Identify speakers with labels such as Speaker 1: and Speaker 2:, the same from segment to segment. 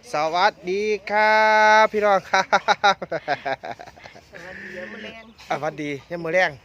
Speaker 1: สวัสดีครับพี่น้องครับ
Speaker 2: สวัสดียามมื้อแลง
Speaker 1: สวัสดียังมือแรง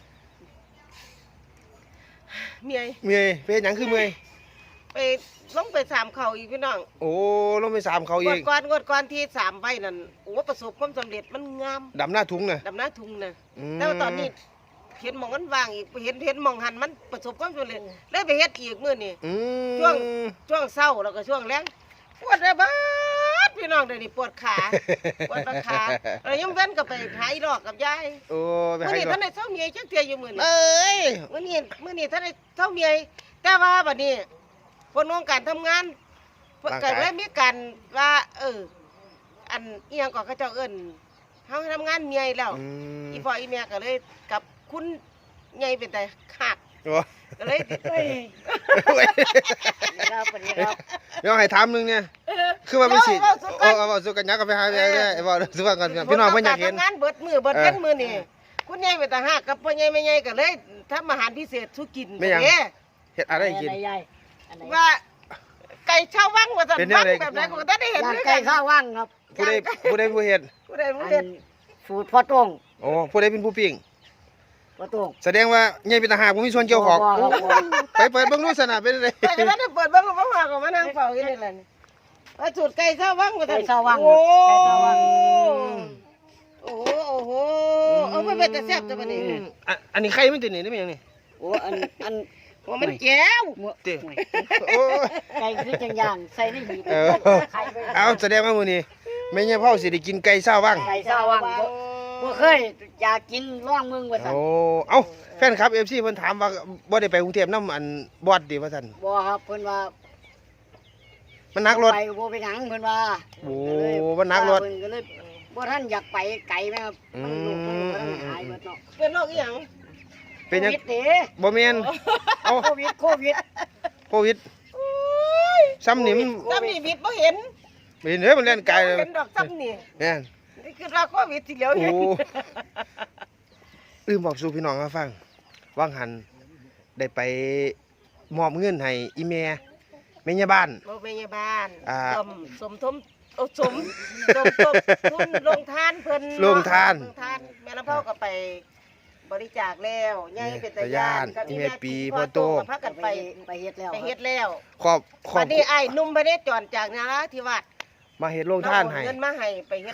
Speaker 2: เมีย
Speaker 1: เมื่อยเป็นหยังคือเมื่อย
Speaker 2: ไปลงไปสามเขาอีกพี่น้อง
Speaker 1: โอ้ลงไป3เขา
Speaker 2: ง
Speaker 1: อี
Speaker 2: วด
Speaker 1: ก
Speaker 2: ก่อนที่3ใบนั่นโอ้ประสบความสำเร็จมันงาม
Speaker 1: ดำหน้าถุงน่ะ
Speaker 2: ดำหน้าทุ่งน่ะ
Speaker 1: ม
Speaker 2: แต่ว่าตอนนี้เห็นหมองมันว่างอีกเห็นหมองหันมันประสบความสำเร็จเลยไปเฮ็ดอีกมื้อนี้
Speaker 1: อืม
Speaker 2: ช่วงเช้าแล้วก็ช่วงแลงปวดระบาดพี่น้องเดี๋ยวนี้ปวดขาปวดขาแล้วยังเว้นก็ไปหาอีดอกกับยาย
Speaker 1: โอ้ไป
Speaker 2: มื้อ
Speaker 1: ให้
Speaker 2: นี้
Speaker 1: ก่อ
Speaker 2: ท่าน นได้เช้าเมียจักเทื่ออยู่มื้อนี้
Speaker 1: เอ้ย
Speaker 2: มื้อนี้ท่านได้เท่าเมียแต่ว่าบัดนี้คนวงการทำงานเกิดเลยมีการว่า อันอีหยังก็เขาเจ้าเอิ้นเฮาทำงานเมียแล้ว
Speaker 1: อืม
Speaker 2: อีพ่ออีแม่ก็เลยกับคุณใหญ่เป็นแต่คัก
Speaker 1: โอ้
Speaker 2: ก็เลยเอ้ย
Speaker 3: ครับสวัสดีครับ
Speaker 1: เดี๋ยวให้ถามหนึงเนี่ยคือว่าเป็นสิเอาสู้กันยักกันไปหาไอ้บ่สู้กันพี่น้องเพิ่นอยากเห็น
Speaker 2: ทำงานเบิดมื้อเบิดเว้นมื้อนี่คุณใหญ่เป็นแต่ฮักกับพ่อใหญ่แม่ใหญ่ก็เลยทำอาหารพิเศษสู่กิน
Speaker 1: ไม่หยัง
Speaker 2: เด้
Speaker 1: เฮ็ดอะไรกิน
Speaker 3: อะไรใหญ่อันไหน
Speaker 2: ว่าไก่ชาววังว่าซั่น
Speaker 1: เป็นแน
Speaker 2: วั
Speaker 1: ว
Speaker 2: ง
Speaker 1: ใด
Speaker 2: แบบไหนก็บ่ได้เห็น
Speaker 3: ย่าง
Speaker 2: ด้วย
Speaker 3: ไก่
Speaker 2: กัน
Speaker 3: ข้าวว่างครับ
Speaker 1: ผู้ใดผู้เฮ็ด
Speaker 2: ผู้ใดผู้
Speaker 3: อั
Speaker 2: เฮ็ด
Speaker 3: นสูตรพ่อโต้ง
Speaker 1: โอ้ผู้ใดเป็นผู้ปิ้ง
Speaker 3: พ่อโต้ง
Speaker 1: แสดงว่าใหญ่เป็นทหารบ่มีส่วนเกี่ยวข้อง
Speaker 3: บ่ครับบ่
Speaker 1: ไปเปิดเบิ่งดูสนะเป็นได
Speaker 2: แต่ก็ได้เปิดเบิ่งก็บ่ว่าก็มานั่งเฝ้าอยู่นี่แหละนี่ว่าสูตรไก่ชาววังว่าซั่
Speaker 3: ไก่
Speaker 2: น
Speaker 3: ข้าวว่าง
Speaker 2: โอ้
Speaker 3: ไก่ข้าวว่าง
Speaker 2: โอ้โหโอ้โหเอาไปเป็นแต่แซ่บจังบัดนี้
Speaker 1: อันนี้ไข่มันติดนี่ได้มั้ยยังนี่
Speaker 3: โอ้อัน
Speaker 2: ว่ามันแก้ว
Speaker 1: ติ โอ้
Speaker 3: ไก่คือจังย่างใส่ในหีบ
Speaker 1: เออ
Speaker 3: ไข่ไป
Speaker 1: เอาแสดงว่ามื้อนี้แม่ย่าเผาสิได้กินไก่ซ่าว่าง
Speaker 3: ไก่ข้าวว่างบ่เคยอยากกินร่องมึงว่าซั่น
Speaker 1: โอ้เอ้าแฟนคลับ FC เพิ่นถามว่าบ่ได้ไปกรุงเทพนำอันบอดติว่าซั่น
Speaker 3: บ่ครับเพิ่นว่า
Speaker 1: มันหนักรถ
Speaker 3: ไปบ่ไปหยังเพิ่นว่า
Speaker 1: โอ้มันหนักรถ
Speaker 3: เพิ่นก็เลยบ่ทันอยากไปไกลแม่ครับ
Speaker 1: อืม
Speaker 3: มันลูกมันบ่ทันหายเบิดเนาะ
Speaker 2: เป็นโรคอีหยัง
Speaker 1: เป็นหยัง
Speaker 3: โควิดเด้
Speaker 1: บ่แม่นเอ้า
Speaker 3: โควิด
Speaker 1: โควิดซ้ำนี่มัน
Speaker 2: ซ้ำนี่วิทย์บ่เห็น
Speaker 1: ไม่เห็นเด้อมันเล่นไกลเลย
Speaker 2: เห็นดอกซ้ำนี่
Speaker 1: แม่น
Speaker 2: นี่คือว่าโควิดสิเหลียว
Speaker 1: โอ้
Speaker 2: เห็น
Speaker 1: ลืมบอกสู่พี่น้องมาฟังว่างหันได้ไปมอบเงินให้อีแม่แม่ย่าบ้าน
Speaker 2: บ่แม่ยาบ้าน
Speaker 1: อ่า
Speaker 2: สมทมเอาสมทุนลงทานเพิ่น
Speaker 1: ลงทาน
Speaker 2: ลงทานแม่ลำเผาก็ไปบริจาคแล้วใหญ่เป็นตาย่านกับ
Speaker 1: อีแม่ปีพ่
Speaker 2: พ่
Speaker 1: อ
Speaker 2: อ
Speaker 1: โต
Speaker 2: โตก็พากันไป
Speaker 3: ไปเฮ็ดแล้ว
Speaker 2: ไปเฮ็ดแล้ว
Speaker 1: ขอบ
Speaker 2: บัดนี้อ้ายหนุ่มบ่ได้จอนจากนาราธิวาส
Speaker 1: มาเฮ็ดโรงท่านให้
Speaker 2: เอเงินมาให้ไปเฮ็ด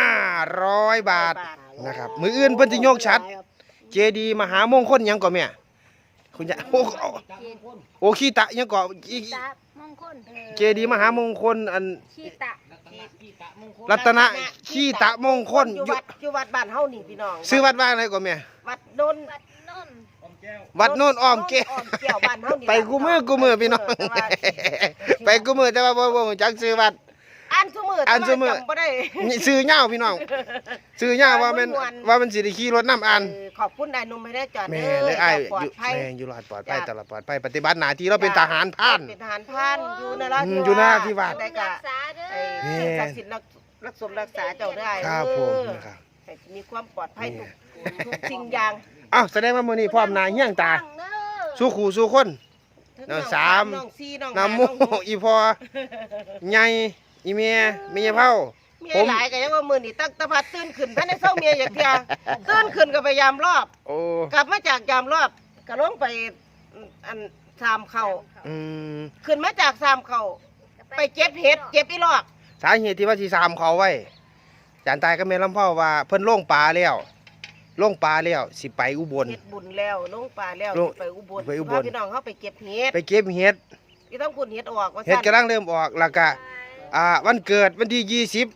Speaker 1: 500 บาทนะครับมื้ออื่นเพิ่นสิยกชัด เจดีย์มหามงคลหยังก่อแม่คุณยายโอ้ขี้ตะหยังก่อ
Speaker 4: ตามงคล
Speaker 1: เจดีย์มหามงคลอัน
Speaker 4: ชีตะ
Speaker 1: รัตนะขี้ตะมงคล
Speaker 2: อยู่วัดบ้านเฮานี่พี่น้อง
Speaker 1: ซื้อวัดว่าอะไรก่อแม่
Speaker 2: วัดนน
Speaker 4: วัดนนท์
Speaker 1: วัดโน่นอ้อมแก้ว
Speaker 2: อ้อมแก้วบ้านเฮานี่
Speaker 1: ไปกูมือพี่น้อง ไปกูมือแต่ว่าบ่รู้จักซื้อวัด
Speaker 2: อ่านซุมื้อ
Speaker 1: อ่านซุมื้อ
Speaker 2: แต่ว่าจำบ่ได้
Speaker 1: นี่ซื้อเหย้าพี่น้องซื้อเหย้าว่ามัน
Speaker 2: ม่วน
Speaker 1: ว่ามันสิได้ขี่รถน้ำอ่าน
Speaker 2: ขอบคุณนายหนุ่มให้ได้จอด
Speaker 1: แม่
Speaker 2: ด้
Speaker 1: เลยอ้าย
Speaker 2: ปลอ
Speaker 1: อยู่
Speaker 2: ดภัย
Speaker 1: แม่อยู่รอดปลอดภัยตลอดปลอดภัยปฏิบัติหน้าที่เราเป็นทหารพราน
Speaker 2: เป็นทหารพรานอยู่นราธิวาส
Speaker 1: อยู่นราธิวาส
Speaker 2: ได้
Speaker 4: รั
Speaker 2: กะ
Speaker 4: กษาเด้
Speaker 2: ไอ้
Speaker 4: อ
Speaker 1: แม่
Speaker 2: ศักดิ์สิทธิ์รักสมรักษาเจ้าได้
Speaker 1: ครับผมนะครับ
Speaker 2: ให้มีความปลอดภัยทุกสิ่งอย่าง
Speaker 1: อ้าวแสดงว่ามื้อนี้พร้อมหน้าเฮี้ยงตา
Speaker 4: ตั้งเด้อ
Speaker 1: สู้ขู่สู้คน น้องสาม
Speaker 2: น้องสี่น้อง
Speaker 1: น้ำ
Speaker 2: ห้า
Speaker 1: โม
Speaker 2: น้องหก
Speaker 1: อีพอใหญ่อีเมียเมียเผา
Speaker 2: เมียหลายก็ยังว่ามื้อนี้ตั้งแตะพัดตื่นขึ้นท่านได้เศร้าเมียอย่างเดียวตื่นขึ้นก็ไปยามรอบ
Speaker 1: โอ้
Speaker 2: กลับมาจากยามรอบก็ลงไปอันสามเข่า
Speaker 1: อืม
Speaker 2: ขึ้นมาจากสามเข่าไปเก็บเห็ดเก็บอีลอก
Speaker 1: สาเหตุที่ว่าสิสามเขาไว้จานตายก็แม่ลำเผาว่าเพิ่นลงปลาแล้วลงปลาแล้วสิไปอุบล
Speaker 2: เฮ็ดบุญแล้วลงป่าแล้ว
Speaker 1: ลง
Speaker 2: ไปอุบล
Speaker 1: ไปอุบล
Speaker 2: พาพี่น้องเขาไปเก็บเห็ด
Speaker 1: ไปเก็บเห็ด
Speaker 2: พี่ต้องคุณเห็ดออกว่า
Speaker 1: เห็ดกำลังเริ่มออกแล้วก็วันเกิดวันที่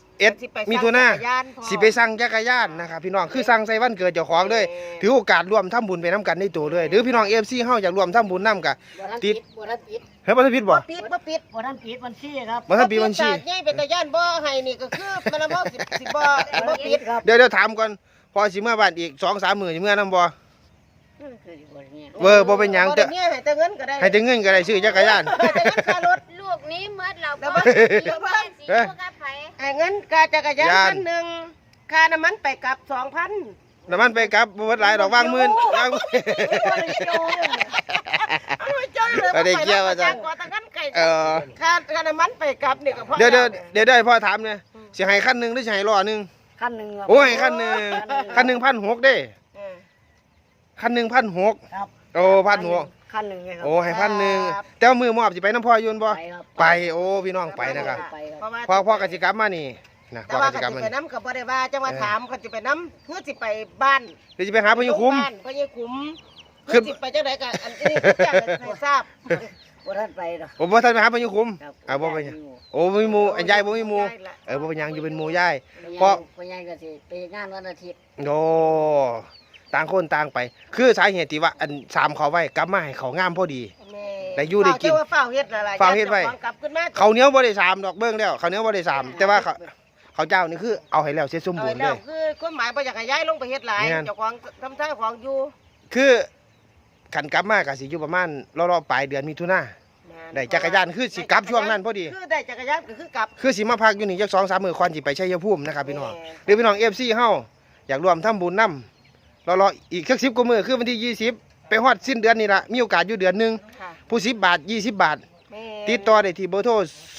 Speaker 1: 21มิถุนายนสิไปสั่งจักรยานนะครับพี่น้องคือสั่งใส่วันเกิดเจ้าของเลยถือโอกาสร่วมทำบุญไปน้ำกันในตัวเลยหรือพี่น้อง FC เฮาอยากร่วมทำบุญนํกะ
Speaker 3: บ่ทัน
Speaker 1: ติ
Speaker 3: ปิ
Speaker 1: ด
Speaker 3: ดบ่ทันปิด
Speaker 1: เฮ้ยบ่ทันผิดบ่
Speaker 2: ปิดบ่ปิด
Speaker 3: บ่ทันปิดบัญชีครับ
Speaker 1: บ่ทันปิดบัญชี
Speaker 2: ตากใหญ่เป็นตาย่านบ่ให้นี่ก็คือมันละบ่สิบ่ปิด
Speaker 3: ครับ
Speaker 1: เดี๋ยวถามก่อนพอสิเมื่อบ้านอีก 2-3 มื้อสิเมื่อนำบ่
Speaker 3: คือบ่เนี่ย
Speaker 1: เวอร์บ่เป็นหยัง
Speaker 2: แต่
Speaker 1: แต่
Speaker 2: เนี่ยให้แต่เงินก็ได้
Speaker 1: ให้แต่เงินก็ได้ซื้อจักรยาน
Speaker 2: ให้แต่เงินค่ารถ
Speaker 4: ลูกนี้เมื่อเรา
Speaker 2: แล้ว
Speaker 4: บ่
Speaker 2: บ่
Speaker 4: เดี๋ยวว่าสิลูกกับไผ
Speaker 2: ให้เงินค่าจักรยาน
Speaker 1: ย่าน
Speaker 2: คันหนึงค่าน้ำมันไปกลับ 2,000
Speaker 1: น้ำมันไปกลับบ่เบิดหลายดอกวางหมื่นวางหมื่น
Speaker 2: เเอาไปเจ้าเลย
Speaker 1: เอาได้เกี่ยวว่าจัง
Speaker 2: กว่าตะกันไก่ ค่าน้ำมันไปกลับนี่ก็พอ
Speaker 1: เดี๋ยว
Speaker 2: แล้ว
Speaker 1: พ่อถามเนี่ยสิให้คันหนึงหรือสิให้ล้อหนึง
Speaker 3: ขั้นหนึ่งครับ
Speaker 1: โอ้ยคันหนึงคันหนึง1,600เด้
Speaker 2: เออ
Speaker 1: คันหนึง1,600
Speaker 3: ครับ
Speaker 1: โอ้1,600
Speaker 3: ขั้นหนึ่งเลยครับ
Speaker 1: โอ้ให้1,000แต่ว่ามือมอบสิไปน้ำพ่ออยืนบ่
Speaker 3: ไปครับ
Speaker 1: ไปโอ้พี่น้องไปนะครับ
Speaker 3: ไปครับ
Speaker 2: เพราะว่า
Speaker 1: พ่อกสิกรรมมานี่นะ
Speaker 2: แต่
Speaker 1: พ่อ
Speaker 2: ว่าก
Speaker 1: สิกรรม
Speaker 2: สิ
Speaker 1: มา
Speaker 2: ไป
Speaker 1: นี่
Speaker 2: น้ำกับบ่ได้ว่าจังว่าถามก็สิไปน้ำเพื่อสิไปบ้าน
Speaker 1: เดี๋ยวจะไปหาพญคุ้ม
Speaker 2: บ้านพญาคุ้ม
Speaker 1: ขึ้
Speaker 2: เพื่อน สิไปจังไดก็อันนี้แจ้งให้ทราบ
Speaker 3: บ่ทันไปหรอก
Speaker 1: ผมบ่ทันไปหาพญคุ้ม
Speaker 3: ครับ
Speaker 1: บ่ไปหยังโอ้บ่มีหมู่อันยายบ่มีหมู่
Speaker 2: ได้ละ
Speaker 1: บ่เป็นหยังอยู่เป็นหมู่ยาย
Speaker 3: เพ
Speaker 1: เพราะ
Speaker 3: พ่อใหญ่ก็สิไปงานวันอาทิตย์
Speaker 1: โอ้ต่างคนต่างไป คือสาเหตุที่ว่าอัน3เขาไว้กลับมาให้เขางามพอดี
Speaker 2: แม่
Speaker 1: ได้อยู่ได้กิน
Speaker 2: เฝ้าเจ้าว่าเฝ้าเฮ็ดอะไร
Speaker 1: เฝ้าเฮ็ดไว้
Speaker 2: จ้าของกลับขึ้นมา
Speaker 1: เขาวเหนียวบ่ได้3ดอกเบิ่งแล้วเขาวเหนียวบ่ได้3แต่ว่าเขาเจ้านี่คือเอาให้แล้วเสร็จสมบูรณ์เล
Speaker 2: แล้ว
Speaker 1: ย
Speaker 2: คือความหมายบ่อยากให้ย้ายลงไปเฮ็ดหลาย
Speaker 1: แม่น
Speaker 2: เจ้าของทำท่าของอยู่
Speaker 1: คือขันกลับมาก็สิอยู่ประมาณรอๆปลายเดือนมิถุนาได้จักรยานคือสิกลับช่วงนั้นพอดี
Speaker 2: คือได้จักรยานก็คือกลับ
Speaker 1: คือสิมาพักอยู่นี่จัก2-3มื้อก่อนสิไปชัยภูมินะครับพี่น้อง
Speaker 2: แม่
Speaker 1: หรือพี่น้อง FC เฮาอยากร่วมทำบุญนำรอๆอีกสัก10กว่ามื้อคือวันที่20ไปฮอดสิ้นเดือนนี่ล่ะมีโอกาสอยู่เดือนหนึง
Speaker 2: ค่ะ
Speaker 1: ผู้10บาท20บาท
Speaker 2: แม่
Speaker 1: ติดต่อได้ที่เบอร์โทร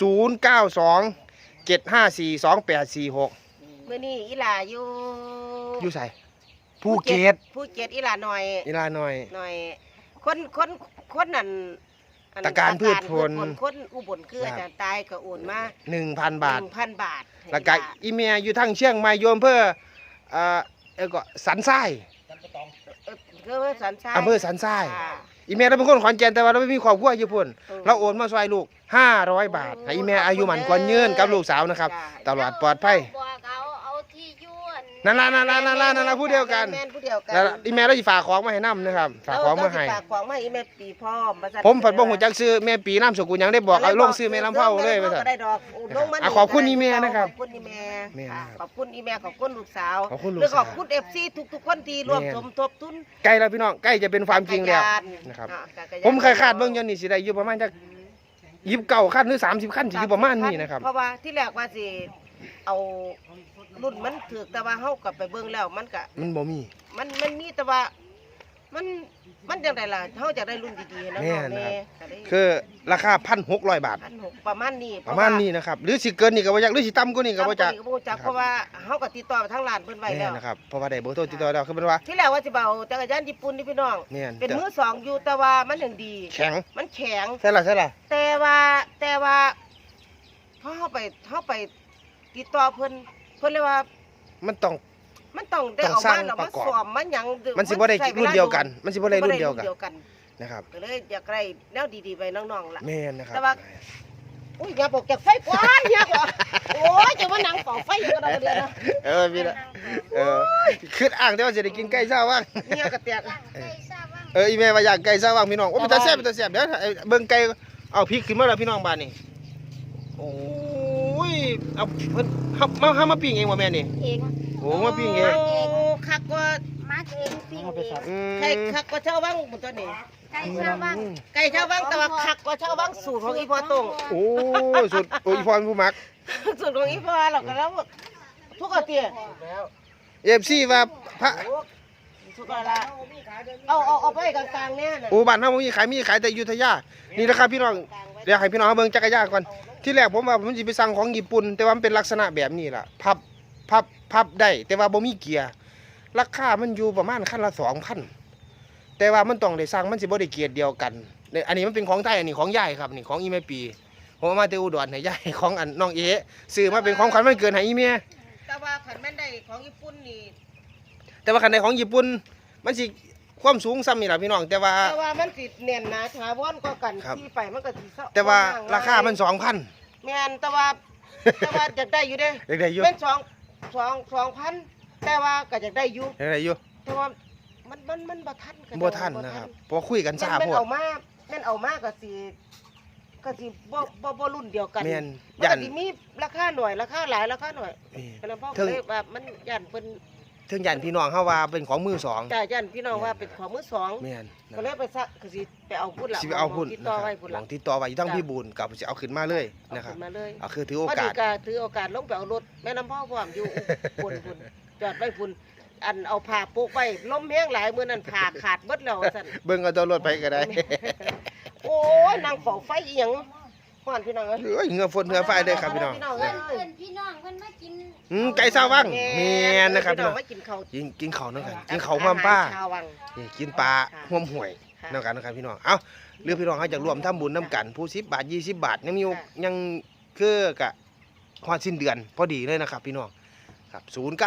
Speaker 1: 0927542846
Speaker 2: มื้อนี้อีหลาอยู่
Speaker 1: อยู่ไสภูเก็ต
Speaker 2: ภูเก็ตอีหลาหน่อย
Speaker 1: อีลาหน่อย
Speaker 2: หน่อยคนนั่นอัน
Speaker 1: ตะการพืชผล
Speaker 2: คนอุบลคือ
Speaker 1: ครับ
Speaker 2: อาจารย์ตายก็โอนมา
Speaker 1: 1,000 บาท
Speaker 2: 1,000 บาทให้
Speaker 1: แล้วก็
Speaker 2: อีหา
Speaker 1: อีเมียอยู่ทางเชียงใหม่โยมเพื่อก็สันทราย
Speaker 2: คือว่าสันชาย
Speaker 1: อำเภอสันทราย
Speaker 2: ค่ะ
Speaker 1: อีเมียเราเป็นคนขอนแก่นแต่ว่าเราไม่มีครอบครัวอยู่พุ่น
Speaker 2: เออ
Speaker 1: เราโอนมาช่วยลูก500 บาทให้อีเมียอายุหมันกว่ายืนกับลูกสาวนะครับ
Speaker 2: จ้า
Speaker 1: ตลอดปลอดภัย
Speaker 4: บอกเอาที่ยวน
Speaker 1: นั่นล่ะผู้เดียวกัน
Speaker 2: แม่นผู้เดียวกัน
Speaker 1: แล้วอีเมียเราสิฝากของมาให้นํนะครับฝากของมาให้
Speaker 2: เรสิฝากของมาให้อีแม่ปีพร้อมว่าซั่น
Speaker 1: ผมผัดบ่ฮู้จักซื้อแม่ปีน้ำสกุลหยังได้บอกเอาลงซื้อแม่ลำเผาเลยว่า
Speaker 2: ว่า
Speaker 1: ซั่น
Speaker 2: ก็ได้ดอกลงมา
Speaker 1: ขอบคุณอีแม่นะครับ
Speaker 2: ขอบคุณอีแม่
Speaker 1: แม่
Speaker 2: ค่ะ
Speaker 1: นะครับ
Speaker 2: ขอบคุณอีแม่ขอบคุณลูกสาว
Speaker 1: ขอบคุณลูก
Speaker 2: แล้ว
Speaker 1: สาว
Speaker 2: ขอบคุณ FC ทุกๆคนที่ร่วม
Speaker 1: แม่
Speaker 2: สมทบทุน
Speaker 1: ใกล้แล้วพี่น้องใกล้จะเป็นความจริงแล้ว
Speaker 2: จักยา
Speaker 1: นะครับ
Speaker 2: จักรยาน
Speaker 1: ผมเคยคาดเบิ่งอยู่นี่สิได้อยู่ประมาณจัก29คันหรือ30คันสิอยู่ประมาณนี้นะครับ
Speaker 2: เพราะว่าที่แรกว่าสิเอารุ่นมันถือแต่ว่าเฮากลับไปเบิ่งแล้วมันก็
Speaker 1: มันบ่มี
Speaker 2: มันมีแต่ว่ามันจังไดล่ะเฮาจะได้รุ่นดีๆนะ
Speaker 1: แม่
Speaker 2: น้อง
Speaker 1: นะครับ
Speaker 2: แม่ก็ได้
Speaker 1: คือราคา 1,600 บาท
Speaker 2: 1,600ประมาณนี้
Speaker 1: ประมาณนี้นะครับ หรือสิเกินนี่ก็บ่จักหรือสิต่ำกว่านี้ก็บ่จัก
Speaker 2: ก็บ่จักเพราะว่าเฮาก็ติดต่อไปทางร้านเพิ่นไว้
Speaker 1: แม่
Speaker 2: แล้ว
Speaker 1: นะครับ เพราะว่าได้เบอร์โทรติดต่อแล้วคือเป็นว่า
Speaker 2: ที่แรกว่าสิเบาจักรยานญี่ปุ่นนี่พี่น้อง
Speaker 1: แม่น
Speaker 2: เป็นมือสองอยู่แต่ว่ามันยังดี
Speaker 1: แข็ง
Speaker 2: มันแข็ง
Speaker 1: ใช่ล่ะ
Speaker 2: แต่ว่าพอเฮาไปติดต่อเพิ่นเลยว่า
Speaker 1: มันต้อง
Speaker 2: มันต้องได้
Speaker 1: ต้อง
Speaker 2: เอา
Speaker 1: สร้า
Speaker 2: มาง แล้ว
Speaker 1: ป
Speaker 2: มา
Speaker 1: ระกอบ
Speaker 2: สวมมันหยัง
Speaker 1: มันสิบ่ได้
Speaker 2: ใช้วลา
Speaker 1: รุ่นเดียวกัน มันสิบ่ได้รุ่นเดียวกัน
Speaker 2: บ่ได้
Speaker 1: นะครับ
Speaker 2: ก็เลยอยากได้แนวดีๆไปน้องๆล่ะ
Speaker 1: แม่นนะครับ
Speaker 2: แต่ว่า อุ้ยอย่าบอกจากไฟกว่าอย่าบอกโอ้ยจะมานั่งเป่าไฟอยู่ก็ได้เดียวนะ
Speaker 1: พี่ละคืออ้างแต่ว่าสิได้กินไก่ซาว่าง
Speaker 2: เนี่ยกระเตียก
Speaker 4: ใส่ทราบว่า
Speaker 1: อีแม่ว่าอยากไก่ซาว่างพี่น้องโอ้เป็นตาแซ่บเดี๋ยวเบิ่งไก่เอาพริกขึ้นมาแล้วพี่น้องบ้านนี่โอ้ยเอาเพิ่นเฮามาปิ้งเองบ่แม่นี่
Speaker 4: เอง
Speaker 1: โอ้มาปิ้งเอง
Speaker 2: โอ้คักกว่า
Speaker 4: มาเองปิ้งเอง
Speaker 1: อืม
Speaker 2: ไก่คักกว่าชาววังหมดตัวนี้
Speaker 4: ไก่ทราบว่า
Speaker 2: ไก่ชาววังแต่ว่าคักกว่าชาววังสูตรของอีพอตรง
Speaker 1: โอ้สุดโอ้ยพรผู้มัก
Speaker 2: สูตรของอีพอเราก็แล้วทุกอาเตีย
Speaker 1: FC ว่าพระ
Speaker 2: ทุกอะไรเอาไปกลางๆเนี่ยน่ะ
Speaker 1: โอ้บ้านเฮาบ่มีขายแต่อยุธยานี่นะครับพี่น้องเดี๋ยวให้พี่น้องเบิ่งจักรยานก่อนที่แรกผมว่าผมสิไปสั่งของญี่ปุ่นแต่ว่ามันเป็นลักษณะแบบนี้ล่ะพับได้แต่ว่าบ่มีเกียร์ราคามันอยู่ประมาณคันละ 2,000 แต่ว่ามันต้องได้สั่งมันสิบ่ได้เกียร์เดียวกันเนี่ยอันนี้มันเป็นของไทยอันนี้ของยายครับนี่ของอีแม่ปีผมเอามาแต่อุดรให้ยายของอันน้องเอซื้อมาเป็นของขวัญวันเกิดให้อีเมีย
Speaker 2: แต่ว่าขันแม่นได้ของญี่ปุ่นนี่
Speaker 1: แต่ว่าคันในของญี่ปุ่นมันสิความสูงซ้ำนี่ล่ะพี่น้องแต่ว่า
Speaker 2: มันสิเน่นหนาถาวรก็กัน
Speaker 1: ครับ
Speaker 2: ที่ไปมันก็สิเศร้
Speaker 1: แต่ว่า
Speaker 2: บ่ง
Speaker 1: ราคามัน 2,000
Speaker 2: แม่นแต่ว่าอยากได้อยู่เด้
Speaker 1: เด็กได้อยู่
Speaker 2: เป็น2,000แต่ว่าก็อยากได้อยู่
Speaker 1: เด็กได้อยู่
Speaker 2: แต่ว่ามันบ่ทันกัน
Speaker 1: บ่ทันนะครับเพอคุยกันซ่า
Speaker 2: แม่น
Speaker 1: โพด
Speaker 2: เอามาก็สิบ่รุ่นเดียวกัน
Speaker 1: แม่น
Speaker 2: มัน
Speaker 1: ย่า
Speaker 2: ก็
Speaker 1: น
Speaker 2: สิมีราคาหน่อยราคาหลายราคาหน่อย
Speaker 1: นี่
Speaker 2: ก็เลยพ่อ
Speaker 1: ถึง
Speaker 2: เลยว่ามันย่านเพิ่น
Speaker 1: ถึงย่านพี่น้องเฮาว่าเป็นของมือสอง
Speaker 2: จ่ายย่านพี่น้องว่าเป็นของมือสอง
Speaker 1: แม่นนะ
Speaker 2: ก็เลยไปซะก็สิไปเอาพุ่นล่ะ
Speaker 1: สิไปเอาพุ่น
Speaker 2: ติด
Speaker 1: นะ
Speaker 2: ต่อ
Speaker 1: ครับ
Speaker 2: ไว้พุ่น
Speaker 1: หลั
Speaker 2: ล่ะ
Speaker 1: งติดต่อไว้อยู่ทั้งพี่บูนกับสิเอาขึ้นมาเลย
Speaker 2: เอา
Speaker 1: นะครับ
Speaker 2: ขึ้นมาเลย
Speaker 1: เอาคือถือโอ
Speaker 2: พอดี
Speaker 1: กาส
Speaker 2: ก็ถือโอกาสลงไปเอารถแม่น้ำพ่อพร้อมอยู่ พุ่นจอดไว้พุ่นอันเอาผ้าปุกไว้ลมแห้งหลายมื้อนั้นผ้าขาดเบิดแล้วซั่น
Speaker 1: เบิ่งเอาตัวรถไปก็ได้
Speaker 2: โอ้ยนางเฝ้าไฟอีหยังฮ้อนพี่น้องเอ้ย
Speaker 1: เอ้ยเหงือฝนเหงือไฟเด้อครับพี่น้อง
Speaker 2: พี่น้อง
Speaker 4: เพื่
Speaker 2: เอ้
Speaker 4: อย นพี่น้องเพิ่นมากิน
Speaker 1: ไก่ซาวังแม่นนะครับพี่น้อง
Speaker 2: มากินข้าว
Speaker 1: กินข้าวนั่นกันกินข้าวความป้า
Speaker 2: อหรชาววัง
Speaker 1: นี่กินปลา
Speaker 2: ค่ะ
Speaker 1: ห่วมห่วย
Speaker 2: ค่ะ
Speaker 1: นั่นกันนะครับพี่น้องเอ้าหรือพี่น้องเขาอยากรวมทำบุญน้ำกันผู้10 บาท20 บาทยังมี
Speaker 2: ค่ะ
Speaker 1: ยังคือกะฮอดสิ้นเดือนพอดีเลยนะครับพี่น้องครับ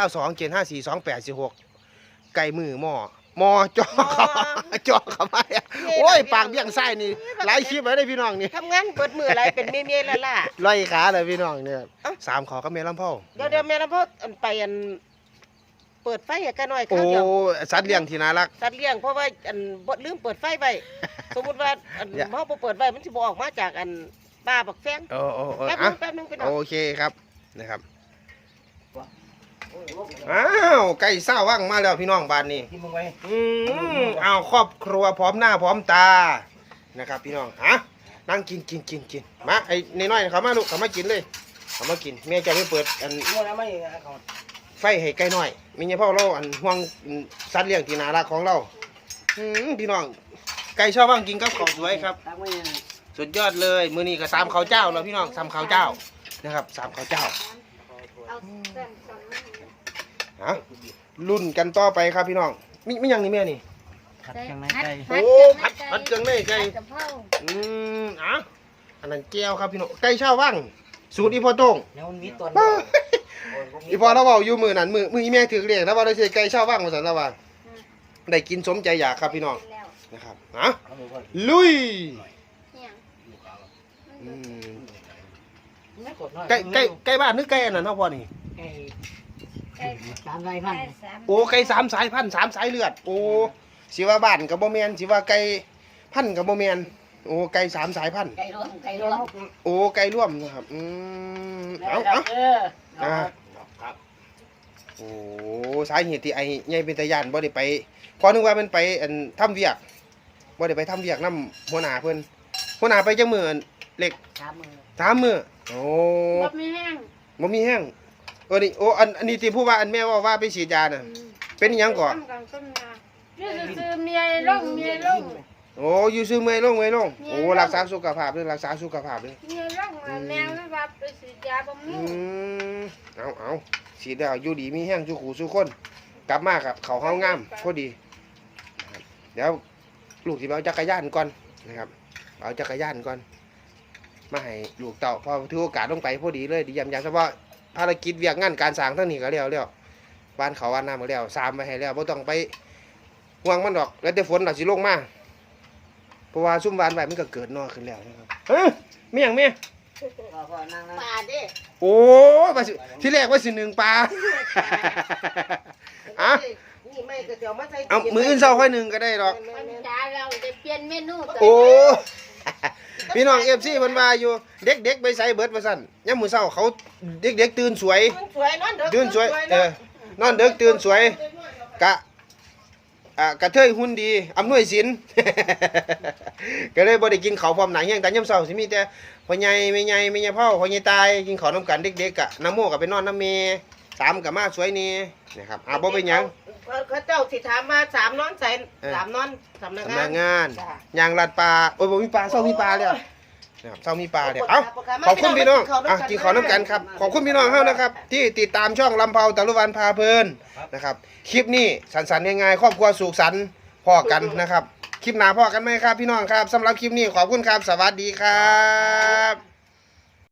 Speaker 1: 0927542846ไก่มือหม้อจ่อจ่อเข้ามาเนี่ยโอ้ยปากเบี้ยงไส้นี่หลายคลิปไว้ได้พี่น้องนี่
Speaker 2: ทำงานเบิดมื้ออะไรเป็นเมียๆล่ะ
Speaker 1: ลอยขาเลยพี่น้องเนี่ย3ขอกับแม่ลำเผา
Speaker 2: เดี๋ยวแม่ลำพ่ออันไปอันเปิดไฟให้กันหน่อยค
Speaker 1: โอ้
Speaker 2: รับเดี๋ยว
Speaker 1: สัตว์เลี้ยงที่น่ารัก
Speaker 2: สัตว์เลี้ยงเพราะว่าอันบ่ลืมเปิดไฟไว้ สมมุติว่าอัน
Speaker 1: อย่า
Speaker 2: เฮาบ่เปิดไว้มันสิบ่ออกมาจากอันป้าบักแฟง
Speaker 1: โอ้
Speaker 2: แป๊บนึ
Speaker 1: อ่ะ
Speaker 2: งแป๊บนึงไปหน่อย
Speaker 1: โอเคครับนะครับอ้าวไก่ซ่าว่างมาแล้วพี่น้องบ้านนี้
Speaker 3: กินมึงไว้
Speaker 1: เอาครอบครัวพร้อมหน้าพร้อมตานะครับพี่น้องฮะนั่งกินมาไอ้น้อยๆเขามาลูกเขามากินเลยเขามากินแม่จะไม่เปิดอัน
Speaker 3: มั่วแล้วไม่เขา
Speaker 1: ไฟให้ไก่น้อยมีเฉพาะเราอันห่วงสัตว์เลี้ยงที่น่ารักของเราพี่น้องไก่ชอบว่างกินกับข้าวสวยครับ
Speaker 3: ตักไม่
Speaker 1: สุดยอดเลยมื้อนี้ก็สามข้าวเจ้าแล้วพี่น้องสามข้าวเจ้านะครับสามข้าวเจ้า
Speaker 4: เอาเส้นสอนมา
Speaker 1: ฮะรุ่นกันต่อไปครับพี่น้องมีหยังนี่แม่นี่
Speaker 3: ขัดเครื่องในไก่
Speaker 1: โอ้ผัดเครื่องในไก่
Speaker 4: ผัดกะเพรา
Speaker 1: อ่ะอันนั้นแก้วครับพี่น้องไก่ชาววังสูตรอีพ่อโต้ง
Speaker 3: แล้วมันมีตัว
Speaker 1: อีพ่อเราเว้าอยู่มื้อนั้นมื้ออีแม่ถือเรียกแล้วว่าได้สิไก่ชาววังว่าซั่นแล้วว่าได้กินสมใจอยากครับพี่น้อง
Speaker 4: แล้ว
Speaker 1: นะครับฮะลุย
Speaker 4: เนี่ย
Speaker 1: อืม
Speaker 3: ไม่กดน้อย
Speaker 1: ไก่บ้านหรือไก่อันนั้นเฮาพ่อนี่
Speaker 3: ไก่
Speaker 4: ไก่
Speaker 3: สามไรพัน
Speaker 4: ไก่สาม
Speaker 1: โอ้ไก่3 สายพันธุ์3 สายเลือดโอ้สิว่าบ้านก็บ่แม่นสิว่าไก่พันธุ์ก็บ่แม่นโอ้ไก่3 สายพันธุ์
Speaker 3: ไก่ร่วมไก่ร่วม
Speaker 1: โอ้ไก่ร่วมนะครับเอา
Speaker 3: ครับ
Speaker 1: โอ้สาเหตุที่ไอ้ใหญ่เป็นตาย่านบ่ได้ไปพอนึกว่ามันไปอันทำเวียกบ่ได้ไปทำเวียกนำหัวหน้าเพิ่นหัวหน้าไปจังมื้ออันเล็ก
Speaker 3: 3 มือ
Speaker 1: 3มื้อโอ้
Speaker 4: บ่มีแห้ง
Speaker 1: บ่มีแห้งนี่โอ้อันนี้ที่ผู้ว่าอันแม่ว่าไปฉีดยาน่ะเป็นอิหยังก่อน
Speaker 4: ต้มกันต้มยานี่คือเมียลงเมียลง
Speaker 1: โอ้อยู่ซื่อเมื่อยลงโอ้รักษาสุขภาพเด้อรักษาสุขภาพเด้อ
Speaker 4: เมียลงแมวไม่ว่าไปฉีดยาบำรุง
Speaker 1: เอาฉีดแล้วอยู่ดีมีแห้งสู่ขู่สู่คนกลับมากับเขาเฮางามพอดีนะครับเดี๋ยวลูกสิไปเอาจักรยานก่อนนะครับเอาจักรยานก่อนมาให้ลูกเต่าพอถือโอกาสลงไปพอดีเลยดียำเฉพาะภารกิจเวียกงานการสร้างทั้งนี้ก็แล้วบ้านเขาบ้านน้ำก็แล้วสามไปให้แล้วบ่ต้องไปห่วงมันดอกแล้วแต่ฝนเราสิลงมาเพราะว่าซุ่มวานไว้มันก็เกิดนอขึ้นแล้วนะครับเฮ้ยเมียงเมีย
Speaker 3: พ่อนั่ง
Speaker 2: ปลาเด้
Speaker 1: โอ้ว่าสิที่แรกว่าสิหนึ่งปลา อ่ะ
Speaker 2: นี่ไม่ก็เดี๋ยวมาใส่
Speaker 1: เอามืออื่นเศร้าค่อยหนึ่งก็ได้หรอก
Speaker 4: มันจ้าเราจะเปลี่ยนเมนูตัว
Speaker 1: โอ้ พี่น้องFCเพิ่นว่าอยู่เด็กๆไปใส่เบิดว่าซั่นยามมื้อเช้าเขาเด็กๆตื่นสวย
Speaker 2: มันสวยนอนเด้อ
Speaker 1: ตื่นสวยนอนดึกตื่นสวยกะกระเทยหุ่นดีอำนวยสิน ก็เลยบ่ได้กินข้าวพร้อมหน้าเฮียงแต่ยามเช้าสิมีแต่พ่อใหญ่แม่ใหญ่แม่ใหญ่พ่อพ่อใหญ่ตายกินข้าวนำกันเด็กๆกะน้ำโมก็ไปนอนน้ำเมสามก็มาสวยนี่นะครับบ่เป็นหยัง
Speaker 2: เขาเจ้าสิถามว่า3นอนใส่3นอนสำนัก
Speaker 1: สำนัก
Speaker 2: งาน
Speaker 1: งาน
Speaker 2: จ้ะ
Speaker 1: ยางลาดปลาโอ้ยบ่มีปลาเศร้ามีปลาเลยนะครับเศร้ามีปลาเดี๋ยวเอ้าขอบคุณพี่น้องกินข้าวน้ำกันครับขอบคุณพี่น้องเฮานะครับ ที่ติดตามช่องลำเผาตะลุวันพาเพลินนะครับคลิปนี้สันๆง่ายๆครอบครัวสุขสันต์พ่อกันนะครับคลิปหน้าพ่อกันไหมครับพี่น้องครับสำหรับคลิปนี้ขอบคุณครับสวัสดีครับ